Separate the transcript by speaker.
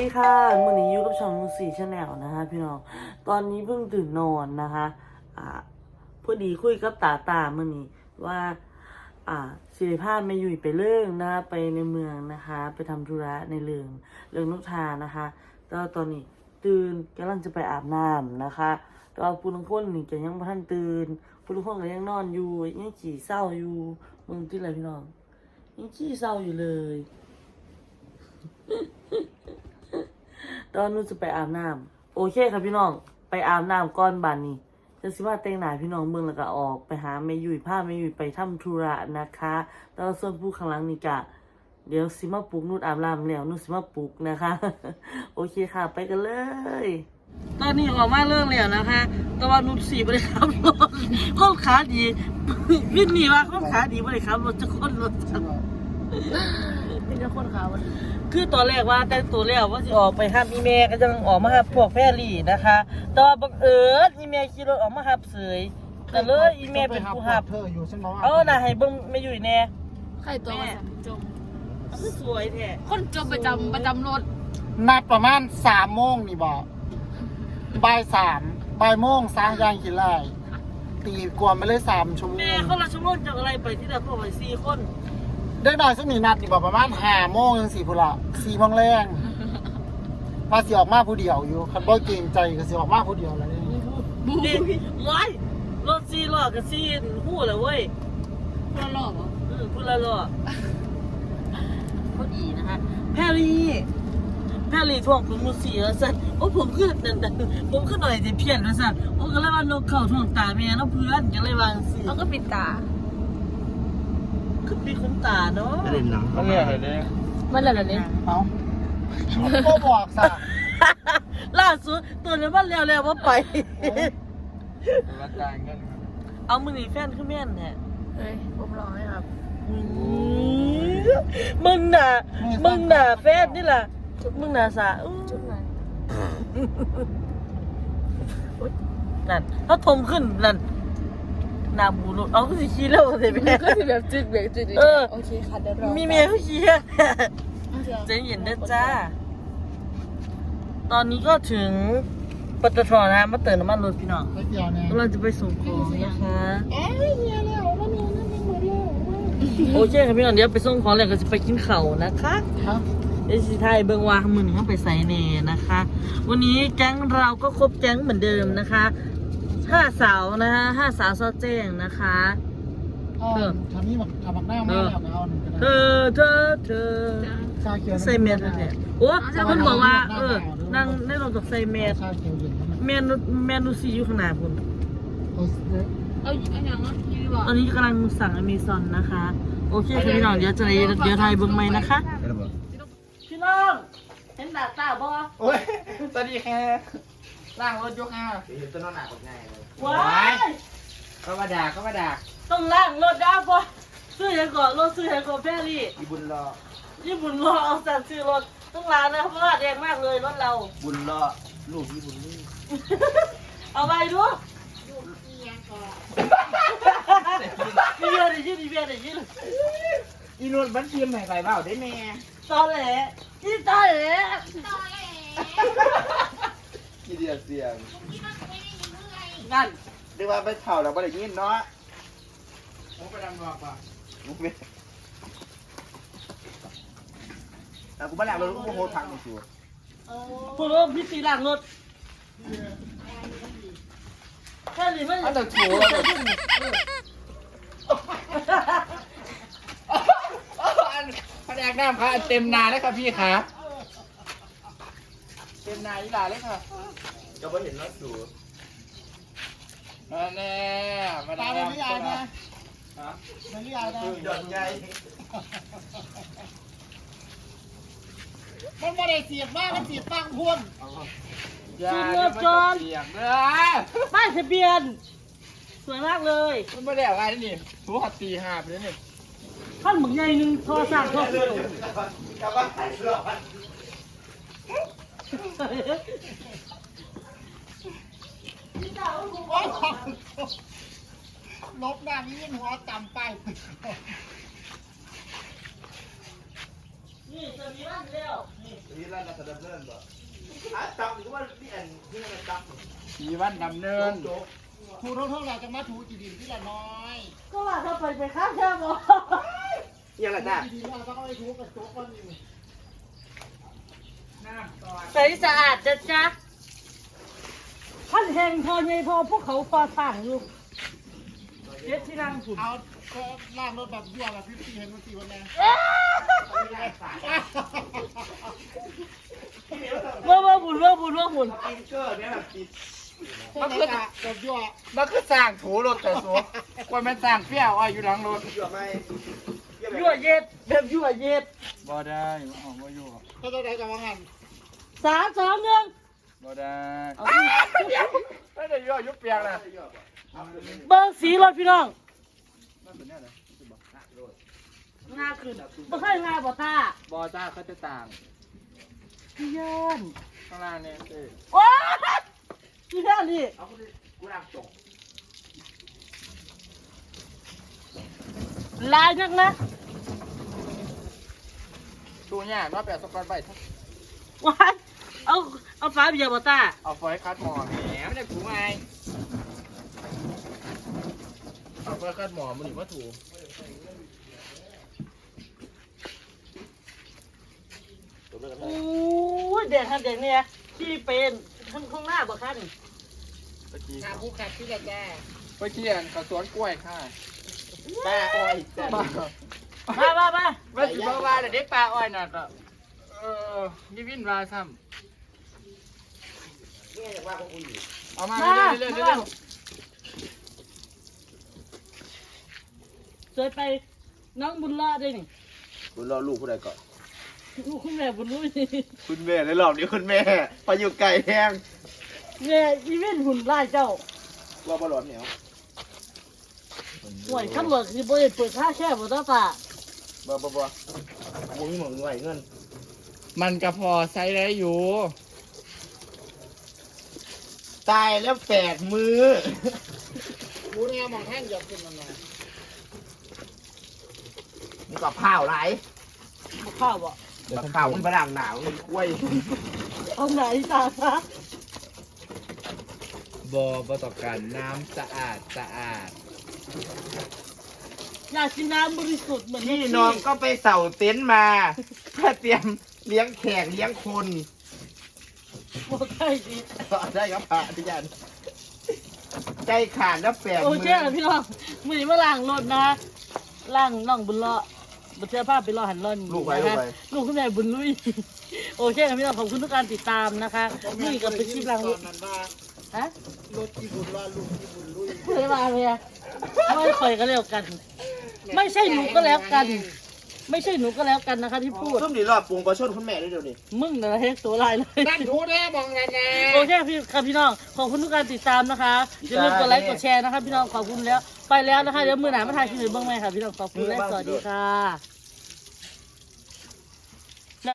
Speaker 1: ดีค่ะมื้อนี้อยู่กับช่องนูซี่ชาแนลนะคะพี่น้องตอนนี้เพิ่งตื่นนอนนะคะพอดีคุยกับตามื้อนี้ว่าสิริภาพไม่อยู่ไปเรื่องนะคะไปในเมืองนะคะไปทำธุระในเรื่องนกทานะคะก็ตอนนี้ตื่นกำลังจะไปอาบน้ำนะคะก็ผู้ทุกคนนี่ก็ยังบ่ทันตื่นผู้ทุกคนก็ยังนอนอยู่ยังขี้เศร้าอยู่มึงที่ไรพี่น้องยังขี้เศร้าอยู่เลยตอนนู้นจะไปอาบน้ำโอเคครับพี่น้องไปอาบน้ำก้อนบานนี้จะสิว่าแต่งหน้าพี่น้องเมืองแล้วก็ออกไปหาแม่ยุ้ยพาแม่ยุ้ยไปทำธุระนะคะแล้วส่วนผู้ข้างหลังนี่กะเดี๋ยวสิมาปลุกนุ่นอาบน้ำแล้วนุ่นสิมาปลุกนะคะ โอเคค่ะไปกันเลยตอนนี้ออกมาเรื่องแล้วนะคะแต่ว่านุ่นสีบริขับรถข้อขาดีพี่นี่ว่าข้อขาดีบริขับรถจะค้นรถจังเป็นจะค้นขาวันคือตอนแรกว่าแต่ตัวแล้วว่าสิออกไปห้ามอีเมลก็จะออกมาหับพวกแพรรี่นะคะแต่ว่าบังเอิญอีเมลขี่รถออกมาหับเสยแต่เลยอีเมลเป็นผู้หับน่ะให้เบิ่งไม่อยู่แน่
Speaker 2: ใครตัวมาจม
Speaker 1: คือสวยแท้
Speaker 2: คนจมประจำรถ
Speaker 3: นัดประมาณ3 โมงนี่บอกบ่าย 3บ่ายโมงสร้างยางขีดไล่ตีกวนไปเลย3 ชั่วโมง
Speaker 1: แม่เขาละชั่วโมงจากอะไรไปที่เดิมพวกไป4 คน
Speaker 3: ได้หน่อยสักมีนัดนี่บอกประมาณ5 โมงยัง4พุ่นละ4 โมงแรงพาสิออกมาผู้เดียวอยู่คันบ่เกรงใจก็สิออกมาผู้เดียวแล้วนี่
Speaker 1: นี่ว้ายรถ4 ล้อกับ4หู้เลยเว้ย
Speaker 2: พูดละหล่อ
Speaker 1: พูดละล้อพอดีนะคะแพรรี่ท่วงผมมือสีแล้วสั่นโอ้ผมขึ้นนั่นผมขึ้นหน่อยจะเพี้ยนแล้วสั่นโอ้ก็เลยว่านกเข่าท่วงตาแม่แล้วเพื่อนก็เลยวางสี
Speaker 2: เขาก็ปิดตา
Speaker 1: คือปีคุณตาเนาะ
Speaker 4: เล่นหนัง
Speaker 3: มันเรียกอะไรเนี่ย
Speaker 2: มันอะไรเนี่ย
Speaker 3: เอาก็บอกซะ
Speaker 1: ล่าสุดตัวนี้มันเร็วว่าไป
Speaker 3: ราคาเงิน
Speaker 1: เอามือหนีแฟนขึ้นแม่นแท้
Speaker 2: เฮ้ยผมรอให้ครับ
Speaker 1: มึงหนาแฟนนี่ล่ะมึงหนาสา
Speaker 2: จุดไหน
Speaker 1: นั่นเขาทมขึ้นนั่นนาบูรุเอาก็สิขี้เร็วเลยแม่
Speaker 2: ก็สิแบบจุดเบรกจุดโอเคค่ะเดี๋ยวรอ
Speaker 1: มีเมียเขาขี้ใจเย็นนะจ้าตอนนี้ก็ถึงปตทนะมาเติมน้ำมันรถพี่น้องเราจะไปส่งของนะคะโอเคครับพี่น้องเดี๋ยวไปส่งของแล้วก็จะไปกินข้าวนะคะเดี๋ยวสิไทยเบิ่งว่ามือหนึ่งเขาไปใส่เนนะคะวันนี้แก๊งเราก็ครบแก๊งเหมือนเดิมนะคะ5 สาวนะคะ5 สาวซอแจ้งนะคะ
Speaker 3: ทำนี่แบบทำหน้ามาแล้ว
Speaker 1: เธอใส่เมสเลยโอ้คนบอกว่านั่งได้ลงจากใส่เมสเมนูซีอยู่ข้างหน้าคุณ
Speaker 2: เอาอย่างนั้นดีกว่า
Speaker 1: ตอนนี้กำลังสั่งอเมซอนนะคะโอเคพี่น้องเดี๋ยวไทยเบิ่งใหม่นะคะพี่น้องเห็นดาบตาบ่
Speaker 3: โอ้ยสวัสดีแค่ล่างรถยกห้า
Speaker 4: ต้นนอนหนักกว่าง่ายเลย
Speaker 1: ว้าย
Speaker 4: ก็มาด่า
Speaker 1: ต้องล่างรถได้บ่ซื้อยังก่อนรถซื้อยังก่อนแพรรี่
Speaker 4: ญี่ปุ่นร
Speaker 1: อเอาสั่งซื้อรถต้องล้างนะเพราะว่าแดงมากเลยรถเรา
Speaker 4: บุญรอลูกญี่ปุ่นนี่
Speaker 1: เอาไปดูมีเบียร์ได้ยิน
Speaker 4: อีนวลบันเทียมไหนไปเปล่าได้แม่
Speaker 1: ตอแหลยี่ตอแหล
Speaker 4: กี่เดียเสียง
Speaker 1: งั้น
Speaker 4: เรียกว่าไปเผาแล้วไม่ได้ยินเนาะ
Speaker 3: โอ้ไปดำรอบป่ะ
Speaker 4: แต่กูไม่แล้วกูโหดทางในชัว
Speaker 1: พูดว่าพี่ตีหลังรถแค่นี้ไม่
Speaker 4: อันนั้นชัวร์
Speaker 3: พนักน้ำค่ะเต็มนาเลยค่ะพี่ค่ะเต็มนาอีหลาเลยค่ะ
Speaker 4: ก็ไม่เห็นรถสู
Speaker 3: แน่มาได้ไม่ยากนะไม่ยากนะ
Speaker 4: หย่อนใจ
Speaker 3: มันไม่ได้เสียบมากมันเสียบตั้งพ่วง
Speaker 1: จุดเริ่มจนป้ายทะเบียนสวยมากเลย
Speaker 3: มันไม่ได้อะไรนี่หัวตีหาบเลยนี่
Speaker 1: ท่านหมึกใหญ่หนึ่งโทรศัพท์โทรศัพท์
Speaker 4: กลับบ้านถ่ายรอ
Speaker 3: ลบหน้านี้หัวจำไป
Speaker 1: นี่จะมีร้านเดียว
Speaker 4: นี่ร้านรัฐดำเนินบ่จับหรือว่านี่อันที่มันจับ
Speaker 5: มีวันดำเนิน
Speaker 3: ถูเท่าไหร่จะมาถูกี่ดินที่ละน้อย
Speaker 1: ก็ว่าเขาไปข้ามแค่บ่
Speaker 4: ยังไงจ้า
Speaker 3: กี่ดินเราต้องเอาไปถูกับโจ๊กก้อนนี้
Speaker 1: ใสสะอาดจะจ๊ะท่านแห่งพอใหญ่พอพวกเขาพอสร้างอยู่เจ็ดที่นั่งผุน
Speaker 3: เอาก็ล่างรถแบบยั่วแบบพี่เห็นมันกี่วันแล้ว
Speaker 1: ว่าบุญว่าบุญว่าบุญ
Speaker 4: กินเกอร์เนี่ยแบบกิน
Speaker 3: มันคือแบบยั่ว
Speaker 5: มันคือสร้างถูรถแต่สัวคนมันสร้างเปรี้ยวอ้อยอยู่หลังรถ
Speaker 4: เยอะไหม
Speaker 1: ยั่วเย็ดแบบยั่วเย็ด
Speaker 5: บ่ได้อ๋อบ่อยู่
Speaker 3: ถ้าตัวใดจะว่างาน
Speaker 1: 3 2 1
Speaker 5: บ่ได้
Speaker 1: เอา
Speaker 5: ไม่ได้ย่อยุบเปียกนะ
Speaker 1: เบิ้งสีรถพี่น้อง
Speaker 5: มันเป็นแน่เลย
Speaker 1: หน้าขึ้นบ่เคยมาบ่ตา
Speaker 5: บ่จ้าเขาจะต่าง
Speaker 1: พี่เยิน
Speaker 5: ข้างล่างเนี่ยเอ้ย
Speaker 1: โอ้ยพี่เยินนี่
Speaker 4: เอากูรักจง
Speaker 1: ลายนักนะ
Speaker 5: ตูเนี่ยว่าแปดสกอตไป
Speaker 1: ว้ายเอาฟ้าเบียร์บ่ตา
Speaker 5: เอาฟอยคัดหมอแหมไม่ได้ถูไงเอาฟอยคัดหมอมันหรือว่าถู
Speaker 1: โอ้ยเด็กครับเด็กเนี่ยที่เป็นข้างหน้าบ่คัน
Speaker 5: ตะกี้
Speaker 3: หาผู้ขัดที่ละแก่
Speaker 5: ไปเที่ยนกับสวนกล้วยค่ะ
Speaker 4: ป้าอ้อยจ้า
Speaker 1: มา
Speaker 5: ว่าสิบ่ว่าแต่เด็กปลาอ้อยน่ะก็มีวินว่าซ้
Speaker 4: เนี่ยอยากว่าของกูอยู่
Speaker 5: ำเอามา
Speaker 1: มา
Speaker 5: เรื่อยๆเรื่อย
Speaker 1: สวยไปน้องบุญรอดด้วยนี่
Speaker 4: คุณรอลูกผู้ใดก่อน
Speaker 1: ลูกคุณแม่บุญรู้นี่
Speaker 4: คุณแม่ในรอบนี้คุณแม่ไปอยู่ไก่แห้ง
Speaker 1: แม่อีเวนหุ่นไล่เจ้า
Speaker 4: ว่าบอลเหนียว
Speaker 1: ห่วยขับรถคือบ่ได้เปิดค่าแช่บ่ต้องตา
Speaker 4: บ่มึงเหมือนไหวเงิน
Speaker 5: ๆมันก็พอใช้ได้อยู่
Speaker 4: ตายแล้ว8 มือ
Speaker 3: หูเนี่ยมองแห้งหยอกขึ้นมาหน่อย
Speaker 4: มึงกับข้าวไร
Speaker 1: บ่เข้าบ่
Speaker 4: กับข้าวมันฝรั่งหนาวมันกล้วย
Speaker 1: เอาไหนตาซะ
Speaker 5: บ่ต้องการน้ำสะอาด
Speaker 1: อยากกินน้ำบริสุทธิ์เหมือน
Speaker 4: พี่น้องก็ไปเสาเต็นท์มา เพื่อเตรียมเลี้ยงแขกเลี้ยงคน
Speaker 1: บ่ได้ดี
Speaker 4: ได้ครับพระอาจารย์ใจขาดแล้ว8
Speaker 1: โอ
Speaker 4: มื
Speaker 1: เคแล้วพี่น้องมื้อนี้มาล้างรถนะล้างน้องบุญรอดบ่เชื่อภาพไปรอหันรอน
Speaker 4: ลูกไป
Speaker 1: ลูกคุณแม่บุญลุยโอเคครับพี่น้องขอบคุณทุกการติดตามนะคะนี่ก็เป็นคลิปล้างรถ
Speaker 3: นั้นว่า
Speaker 1: ฮะ
Speaker 3: รถที่บุญว่าลุงที่บุญลุย
Speaker 1: เพื่อมาเลยอะไม่ค่อยก็แล้วกัน ไม่ใช่หนูก็แล้วกัน ไม่ใช่หนูก็แล้วกันนะคะที่พูด
Speaker 4: ส้มนี่รอบปรุงปลาช่อนคุณแม่ด้วยเดี๋ยวนี้
Speaker 1: มึงน่ะเฮ็ดตัวลายเลย
Speaker 3: นั่นถูเนี่ยมองแน่แน่
Speaker 1: โอเคพี่ครับพี่น้องขอบคุณทุกการติดตามนะคะอย่าลืมกดไลค์กดแชร์นะคะพี่น้องขอบคุณแล้วไปแล้วนะคะเดี๋ยวมือหนามาถ่ายคลิปอื่นบ้างไหมค่ะพี่น้องขอบคุณและสวัสดีค่ะ